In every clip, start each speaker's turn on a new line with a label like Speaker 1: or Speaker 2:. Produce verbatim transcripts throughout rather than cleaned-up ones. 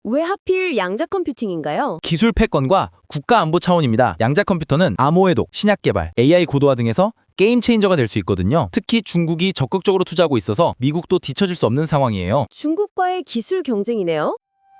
Speaker 1: 왜 하필 양자 컴퓨팅인가요?
Speaker 2: 기술 패권과 국가 안보 차원입니다. 양자 컴퓨터는 암호해독, 신약 개발, 에이아이 고도화 등에서 게임 체인저가 될 수 있거든요. 특히 중국이 적극적으로 투자하고 있어서 미국도 뒤처질 수 없는 상황이에요.
Speaker 1: 중국과의 기술 경쟁이네요.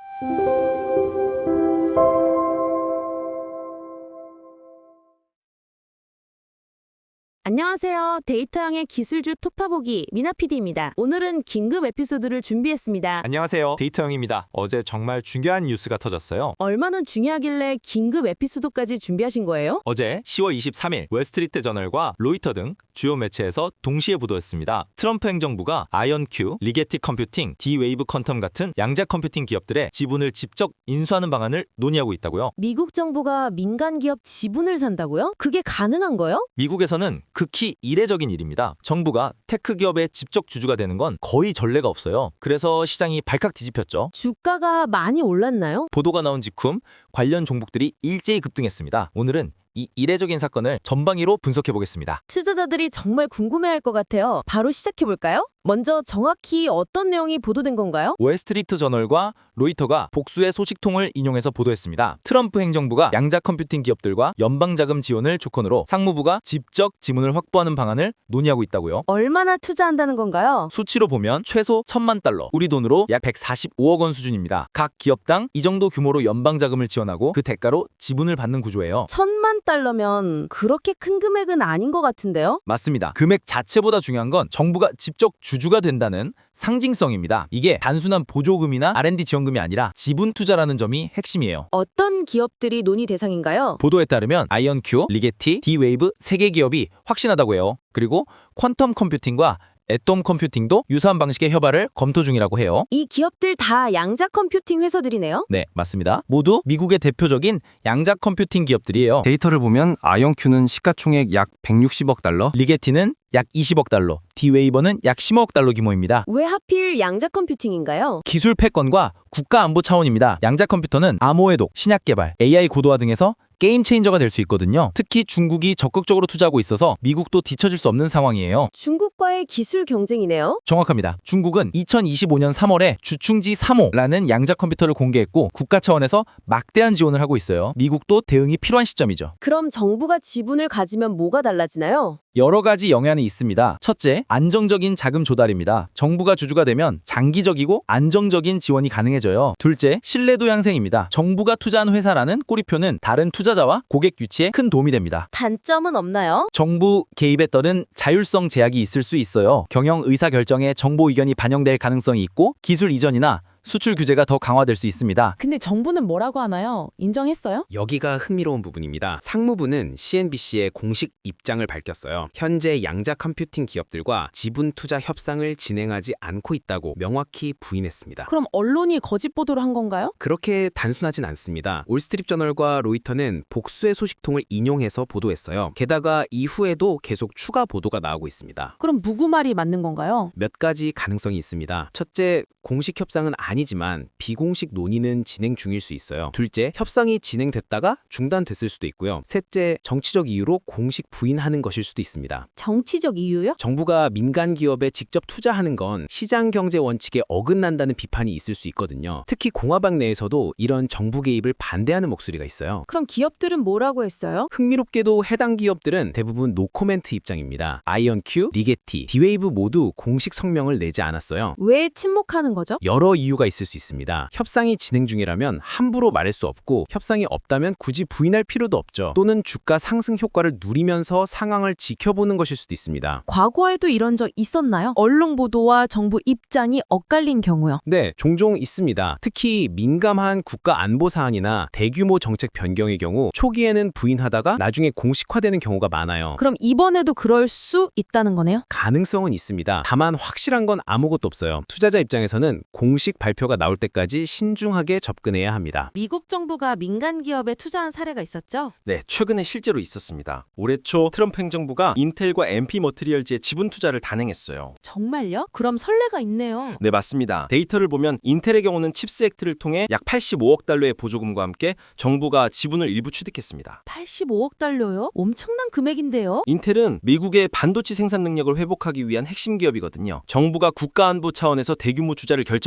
Speaker 1: 안녕하세요. 데이터형의 기술주 톱파보기 미나 피디입니다. 오늘은 긴급 에피소드를 준비했습니다.
Speaker 3: 안녕하세요. 데이터형입니다. 어제 정말 중요한 뉴스가 터졌어요.
Speaker 1: 얼마나 중요하길래 긴급 에피소드까지 준비하신 거예요?
Speaker 3: 어제 시월 이십삼일 월스트리트 저널과 로이터 등 주요 매체에서 동시에 보도했습니다. 트럼프 행정부가 아이언큐, 리게티 컴퓨팅, D-웨이브 퀀텀 같은 양자 컴퓨팅 기업들의 지분을 직접 인수하는 방안을 논의하고 있다고요.
Speaker 1: 미국 정부가 민간 기업 지분을 산다고요? 그게 가능한 거요?
Speaker 3: 미국에서는 극히 이례적인 일입니다. 정부가 테크 기업의 직접 주주가 되는 건 거의 전례가 없어요. 그래서 시장이 발칵 뒤집혔죠.
Speaker 1: 주가가 많이 올랐나요?
Speaker 3: 보도가 나온 직후 관련 종목들이 일제히 급등했습니다. 오늘은 이 이례적인 사건을 전방위로 분석해 보겠습니다.
Speaker 1: 투자자들이 정말 궁금해할 것 같아요. 바로 시작해볼까요? 먼저 정확히 어떤 내용이 보도된 건가요?
Speaker 3: 월스트리트 저널과 로이터가 복수의 소식통을 인용해서 보도했습니다. 트럼프 행정부가 양자 컴퓨팅 기업들과 연방자금 지원을 조건으로 상무부가 직접 지분을 확보하는 방안을 논의하고 있다고요.
Speaker 1: 얼마나 투자한다는 건가요?
Speaker 3: 수치로 보면 최소 천만 달러, 우리 돈으로 약 백사십오억 원 수준입니다. 각 기업당 이 정도 규모로 연방자금을 지원하고 그 대가로 지분을 받는 구조예요.
Speaker 1: 천만 달러면 그렇게 큰 금액은 아닌 것 같은데요?
Speaker 3: 맞습니다. 금액 자체보다 중요한 건 정부가 직접 주주가 된다는 상징성입니다. 이게 단순한 보조금이나 알앤디 지원금이 아니라 지분 투자라는 점이 핵심이에요.
Speaker 1: 어떤 기업들이 논의 대상인가요?
Speaker 3: 보도에 따르면 아이언큐, 리게티, D-웨이브 세 개 기업이 확신하다고 해요. 그리고 퀀텀 컴퓨팅과 애톰 컴퓨팅도 유사한 방식의 협약을 검토 중이라고 해요.
Speaker 1: 이 기업들 다 양자 컴퓨팅 회사들이네요?
Speaker 3: 네, 맞습니다. 모두 미국의 대표적인 양자 컴퓨팅 기업들이에요.
Speaker 4: 데이터를 보면 아이언큐는 시가총액 약 백육십억 달러,
Speaker 3: 리게티는 약 이십억 달러, D-웨이버는 약 십오억 달러 규모입니다.
Speaker 1: 왜 하필 양자 컴퓨팅인가요?
Speaker 3: 기술 패권과 국가 안보 차원입니다. 양자 컴퓨터는 암호해독, 신약 개발, 에이아이 고도화 등에서 게임 체인저가 될 수 있거든요. 특히 중국이 적극적으로 투자하고 있어서 미국도 뒤처질 수 없는 상황이에요.
Speaker 1: 중국과의 기술 경쟁이네요?
Speaker 3: 정확합니다. 중국은 이천이십오년 삼월에 주충지 삼 호라는 양자 컴퓨터를 공개했고 국가 차원에서 막대한 지원을 하고 있어요. 미국도 대응이 필요한 시점이죠.
Speaker 1: 그럼 정부가 지분을 가지면 뭐가 달라지나요?
Speaker 3: 여러 가지 영향이 있습니다. 첫째, 안정적인 자금 조달입니다. 정부가 주주가 되면 장기적이고 안정적인 지원이 가능해져요. 둘째, 신뢰도 향상입니다. 정부가 투자한 회사라는 꼬리표는 다른 투자자와 고객 유치에 큰 도움이 됩니다.
Speaker 1: 단점은 없나요?
Speaker 3: 정부 개입에 따른 자율성 제약이 있을 수 있어요. 경영 의사 결정에 정보 의견이 반영될 가능성이 있고 기술 이전이나 수출 규제가 더 강화될 수 있습니다.
Speaker 5: 근데 정부는 뭐라고 하나요? 인정했어요?
Speaker 6: 여기가 흥미로운 부분입니다. 상무부는 씨엔비씨에 공식 입장을 밝혔어요. 현재 양자 컴퓨팅 기업들과 지분 투자 협상을 진행하지 않고 있다고 명확히 부인했습니다.
Speaker 5: 그럼 언론이 거짓 보도를 한 건가요?
Speaker 6: 그렇게 단순하진 않습니다. 올스트리트저널과 로이터는 복수의 소식통을 인용해서 보도했어요. 게다가 이후에도 계속 추가 보도가 나오고 있습니다.
Speaker 5: 그럼 누구 말이 맞는 건가요?
Speaker 6: 몇 가지 가능성이 있습니다. 첫째, 공식 협상은 아니지만 비공식 논의는 진행 중일 수 있어요. 둘째, 협상이 진행됐다가 중단됐을 수도 있고요. 셋째, 정치적 이유로 공식 부인하는 것일 수도 있습니다.
Speaker 1: 정치적 이유요?
Speaker 6: 정부가 민간 기업에 직접 투자하는 건 시장 경제 원칙에 어긋난다는 비판이 있을 수 있거든요. 특히 공화당 내에서도 이런 정부 개입을 반대하는 목소리가 있어요.
Speaker 1: 그럼 기업들은 뭐라고 했어요?
Speaker 6: 흥미롭게도 해당 기업들은 대부분 노코멘트 입장입니다. 아이언큐, 리게티, D-웨이브 모두 공식 성명을 내지 않았어요.
Speaker 1: 왜 침묵하는 거죠?
Speaker 6: 여러 이유가 있을 수 있습니다. 협상이 진행 중이라면 함부로 말할 수 없고 협상이 없다면 굳이 부인할 필요도 없죠. 또는 주가 상승 효과를 누리면서 상황을 지켜보는 것일 수도 있습니다.
Speaker 1: 과거에도 이런 적 있었나요? 언론 보도와 정부 입장이 엇갈린 경우요.
Speaker 6: 네, 종종 있습니다. 특히 민감한 국가 안보 사안이나 대규모 정책 변경의 경우 초기에는 부인하다가 나중에 공식화되는 경우가 많아요.
Speaker 1: 그럼 이번에도 그럴 수 있다는 거네요?
Speaker 6: 가능성은 있습니다. 다만 확실한 건 아무것도 없어요. 투자자 입장에서는 공식 발표가 나올 때까지 신중하게 접근해야 합니다.
Speaker 7: 미국 정부가 민간 기업에 투자한 사례가 있었죠?
Speaker 8: 네, 최근에 실제로 있었습니다. 올해 초 트럼프 행정부가 인텔과 엠피 머티리얼즈의 지분 투자를 단행했어요.
Speaker 7: 정말요? 그럼 선례가 있네요.
Speaker 8: 네, 맞습니다. 데이터를 보면 인텔의 경우는 칩스 액트를 통해 약 팔십오억 달러의 보조금과 함께 정부가 지분을 일부 취득했습니다.
Speaker 7: 팔십오억 달러요? 엄청난 금액인데요?
Speaker 8: 인텔은 미국의 반도체 생산 능력을 회복하기 위한 핵심 기업이거든요. 정부가 국가안보 차원에서 대규모 투자를 결정한 겁니다.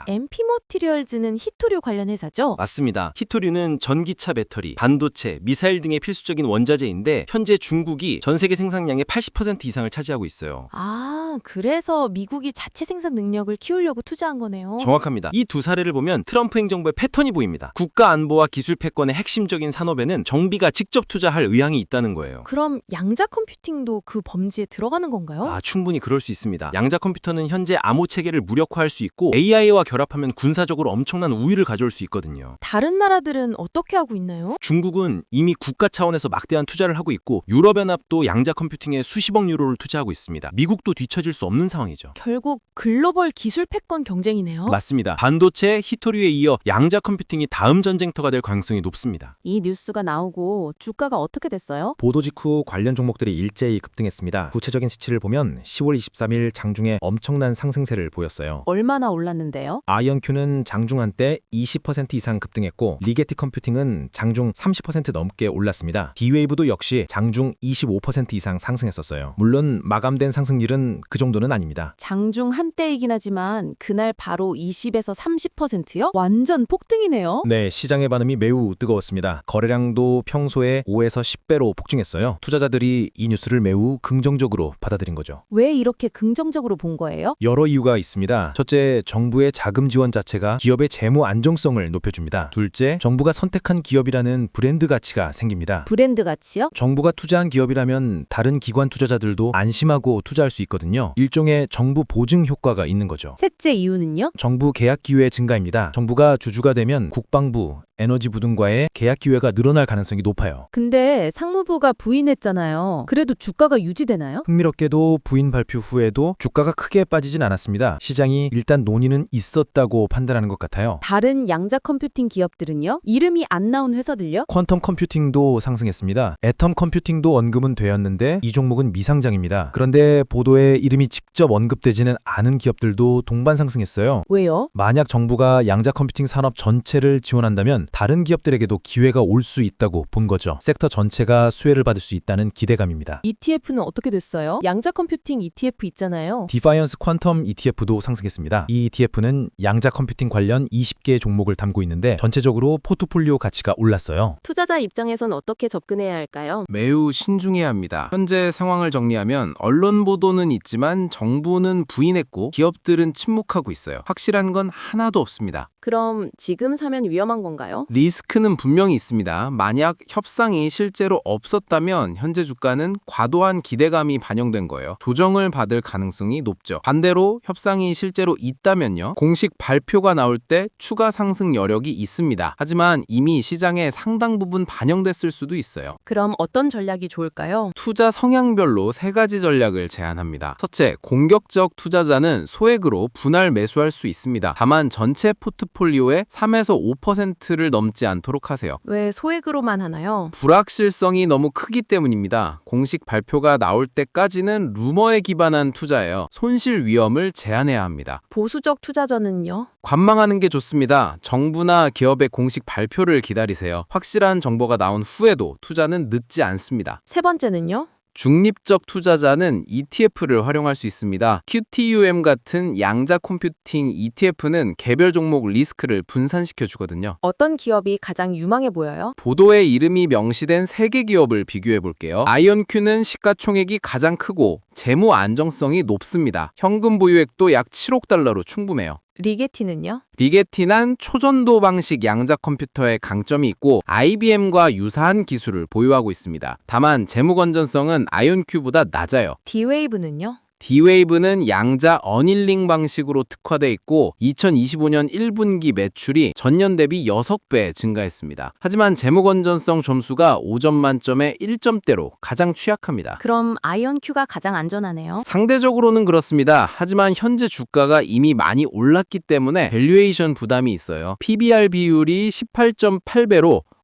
Speaker 7: 엠피머티리얼즈는 히토류 관련 회사죠?
Speaker 8: 맞습니다. 히토류는 전기차 배터리, 반도체, 미사일 등의 필수적인 원자재인데 현재 중국이 전 세계 생산량의 팔십 퍼센트 이상을 차지하고 있어요.
Speaker 5: 아, 그래서 미국이 자체 생산 능력을 키우려고 투자한 거네요.
Speaker 8: 정확합니다. 이 두 사례를 보면 트럼프 행정부의 패턴이 보입니다. 국가 안보와 기술 패권의 핵심적인 산업에는 정비가 직접 투자할 의향이 있다는 거예요.
Speaker 5: 그럼 양자 컴퓨팅도 그 범지에 들어가는 건가요?
Speaker 8: 아, 충분히 그럴 수 있습니다. 양자 컴퓨터는 현재 암호 체계를 무력화할 수 있고 에이아이와 결합하면 군사적으로 엄청난 우위를 가져올 수 있거든요.
Speaker 5: 다른 나라들은 어떻게 하고 있나요?
Speaker 8: 중국은 이미 국가 차원에서 막대한 투자를 하고 있고 유럽연합도 양자 컴퓨팅에 수십억 유로를 투자하고 있습니다. 미국도 뒤처질 수 없는 상황이죠.
Speaker 5: 결국 글로벌 기술 패권 경쟁이네요.
Speaker 8: 맞습니다. 반도체, 히토류에 이어 양자 컴퓨팅이 다음 전쟁터가 될 가능성이 높습니다.
Speaker 1: 이 뉴스가 나오고 주가가 어떻게 됐어요?
Speaker 3: 보도 직후 관련 종목들이 일제히 급등했습니다. 구체적인 수치를 보면 시월 이십삼일 장중에 엄청난 상승세를 보였어요.
Speaker 1: 얼마나 올랐는데요?
Speaker 3: 아이언큐는 장중 한때 이십 퍼센트 이상 급등했고 리게티 컴퓨팅은 장중 삼십 퍼센트 넘게 올랐습니다. D-Wave도 역시 장중 이십오 퍼센트 이상 상승했었어요. 물론 마감된 상승률은 그 정도는 아닙니다.
Speaker 1: 장중 한때이긴 하지만 그날 바로 이십에서 삼십 퍼센트요? 완전 폭등이네요.
Speaker 3: 네, 시장의 반응이 매우 뜨거웠습니다. 거래량도 평소에 오에서 십 배로 폭증했어요. 투자자들이 이 뉴스를 매우 긍정적으로 받아들인 거죠.
Speaker 1: 왜 이렇게 긍정적으로 본 거예요?
Speaker 3: 여러 이유가 있습니다. 첫째, 정부의 자금 지원 자체가 기업의 재무 안정성을 높여줍니다. 둘째, 정부가 선택한 기업이라는 브랜드 가치가 생깁니다.
Speaker 1: 브랜드 가치요?
Speaker 3: 정부가 투자한 기업이라면 다른 기관 투자자들도 안심하고 투자할 수 있거든요. 일종의 정부 보증 효과가 있는 거죠.
Speaker 1: 셋째 이유는요?
Speaker 3: 정부 계약 기회 증가입니다. 정부가 주주가 되면 국방부, 에너지부 등과의 계약 기회가 늘어날 가능성이 높아요.
Speaker 1: 근데 상무부가 부인했잖아요. 그래도 주가가 유지되나요?
Speaker 3: 흥미롭게도 부인 발표 후에도 주가가 크게 빠지진 않았습니다. 시장이 일단 논의는 있었다고 판단하는 것 같아요.
Speaker 1: 다른 양자 컴퓨팅 기업들은요? 이름이 안 나온 회사들요?
Speaker 3: 퀀텀 컴퓨팅도 상승했습니다. 애텀 컴퓨팅도 언급은 되었는데 이 종목은 미상장입니다. 그런데 보도에 이름이 직접 언급되지는 않은 기업들도 동반 상승했어요.
Speaker 1: 왜요?
Speaker 3: 만약 정부가 양자 컴퓨팅 산업 전체를 지원한다면 다른 기업들에게도 기회가 올 수 있다고 본 거죠. 섹터 전체가 수혜를 받을 수 있다는 기대감입니다.
Speaker 5: 이티에프는 어떻게 됐어요? 양자 컴퓨팅 이티에프 있잖아요.
Speaker 3: 디파이언스 퀀텀 이티에프도 상승했습니다. 이 이티에프는 양자 컴퓨팅 관련 이십 개의 종목을 담고 있는데 전체적으로 포트폴리오 가치가 올랐어요.
Speaker 1: 투자자 입장에선 어떻게 접근해야 할까요?
Speaker 4: 매우 신중해야 합니다. 현재 상황을 정리하면 언론 보도는 있지만 정부는 부인했고 기업들은 침묵하고 있어요. 확실한 건 하나도 없습니다.
Speaker 1: 그럼 지금 사면 위험한 건가요?
Speaker 4: 리스크는 분명히 있습니다. 만약 협상이 실제로 없었다면 현재 주가는 과도한 기대감이 반영된 거예요. 조정을 받을 가능성이 높죠. 반대로 협상이 실제로 있다면요. 공식 발표가 나올 때 추가 상승 여력이 있습니다. 하지만 이미 시장에 상당 부분 반영됐을 수도 있어요.
Speaker 1: 그럼 어떤 전략이 좋을까요?
Speaker 4: 투자 성향별로 세 가지 전략을 제안합니다. 첫째, 공격적 투자자는 소액으로 분할 매수할 수 있습니다. 다만 전체 포트폴리오의 삼에서 오 퍼센트를 넘지 않도록 하세요.
Speaker 1: 왜 소액으로만 하나요?
Speaker 4: 불확실성이 너무 크기 때문입니다. 공식 발표가 나올 때까지는 루머에 기반한 투자예요. 손실 위험을 제한해야 합니다.
Speaker 1: 보수적 투자자는요?
Speaker 4: 관망하는 게 좋습니다. 정부나 기업의 공식 발표를 기다리세요. 확실한 정보가 나온 후에도 투자는 늦지 않습니다.
Speaker 1: 세 번째는요?
Speaker 4: 중립적 투자자는 이티에프를 활용할 수 있습니다. 큐티유엠 같은 양자 컴퓨팅 이티에프는 개별 종목 리스크를 분산시켜 주거든요.
Speaker 1: 어떤 기업이 가장 유망해 보여요?
Speaker 4: 보도에 이름이 명시된 세 개 기업을 비교해 볼게요. 아이언큐는 시가총액이 가장 크고 재무 안정성이 높습니다. 현금 보유액도 약 칠억 달러로 충분해요.
Speaker 1: 리게티는요?
Speaker 4: 리게티는 초전도 방식 양자 컴퓨터의 강점이 있고 아이비엠과 유사한 기술을 보유하고 있습니다. 다만 재무 건전성은 아이언큐보다 낮아요.
Speaker 1: D-Wave는요?
Speaker 4: D-Wave는 양자 어닐링 방식으로 특화돼 있고 이천이십오 년 일 분기 매출이 전년 대비 여섯 배 증가했습니다. 하지만 재무 건전성 점수가 오 점 만점에 일 점대로 가장 취약합니다.
Speaker 1: 그럼 아이언큐가 가장 안전하네요.
Speaker 4: 상대적으로는 그렇습니다. 하지만 현재 주가가 이미 많이 올랐기 때문에 밸류에이션 부담이 있어요. 피비알 비율이 십팔 점 팔 배로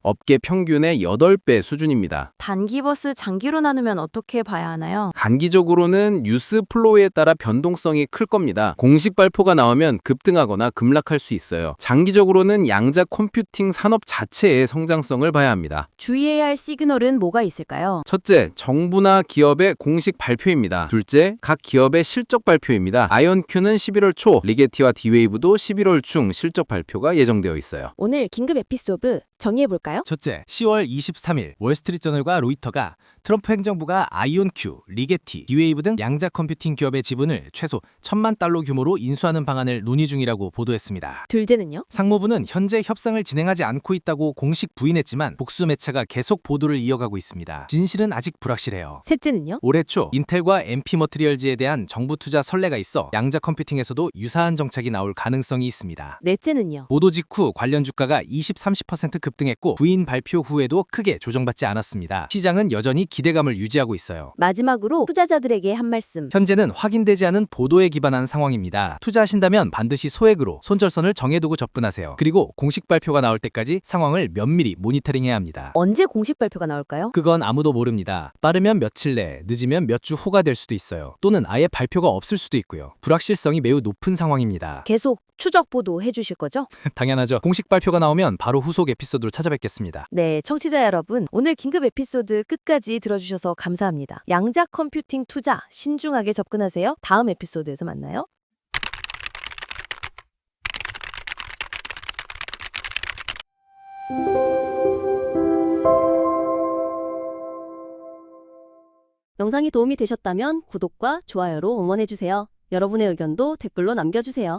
Speaker 4: 업계 평균의 여덟 배 수준입니다.
Speaker 5: 단기 버스 장기로 나누면 어떻게 봐야 하나요?
Speaker 4: 단기적으로는 뉴스 플로우에 따라 변동성이 클 겁니다. 공식 발표가 나오면 급등하거나 급락할 수 있어요. 장기적으로는 양자 컴퓨팅 산업 자체의 성장성을 봐야 합니다.
Speaker 1: 주의해야 할 시그널은 뭐가 있을까요?
Speaker 4: 첫째, 정부나 기업의 공식 발표입니다. 둘째, 각 기업의 실적 발표입니다. 아이온큐는 십일월 초, 리게티와 디웨이브도 십일월 중 실적 발표가 예정되어 있어요.
Speaker 1: 오늘 긴급 에피소드 정리해볼까요?
Speaker 3: 첫째, 시월 이십삼일 월스트리트저널과 로이터가 트럼프 행정부가 아이온큐, 리게티, 디웨이브 등 양자 컴퓨팅 기업의 지분을 최소 천만 달러 규모로 인수하는 방안을 논의 중이라고 보도했습니다.
Speaker 1: 둘째는요?
Speaker 3: 상무부는 현재 협상을 진행하지 않고 있다고 공식 부인했지만 복수 매체가 계속 보도를 이어가고 있습니다. 진실은 아직 불확실해요.
Speaker 1: 셋째는요?
Speaker 3: 올해 초 인텔과 엠피 머티리얼즈에 대한 정부 투자 선례가 있어 양자 컴퓨팅에서도 유사한 정책이 나올 가능성이 있습니다.
Speaker 1: 넷째는요?
Speaker 3: 보도 직후 관련 주가가 이십, 삼십 퍼센트 급등했고 부인 발표 후에도 크게 조정받지 않았습니다. 시장은 여전히 기대감을 유지하고 있어요.
Speaker 1: 마지막으로 투자자들에게 한 말씀.
Speaker 3: 현재는 확인되지 않은 보도에 기반한 상황입니다. 투자하신다면 반드시 소액으로 손절선을 정해두고 접근하세요. 그리고 공식 발표가 나올 때까지 상황을 면밀히 모니터링해야 합니다.
Speaker 1: 언제 공식 발표가 나올까요?
Speaker 3: 그건 아무도 모릅니다. 빠르면 며칠 내, 늦으면 몇 주 후가 될 수도 있어요. 또는 아예 발표가 없을 수도 있고요. 불확실성이 매우 높은 상황입니다.
Speaker 1: 계속 추적 보도 해주실 거죠?
Speaker 3: 당연하죠. 공식 발표가 나오면 바로 후속 에피소드로 찾아뵙겠습니다.
Speaker 1: 네, 청취자 여러분, 오늘 긴급 에피소드 끝까지 들어주셔서 감사합니다. 양자 컴퓨팅 투자 신중하게 접근하세요. 다음 에피소드에서 만나요. 영상이 도움이 되셨다면 구독과 좋아요로 응원해주세요. 여러분의 의견도 댓글로 남겨주세요.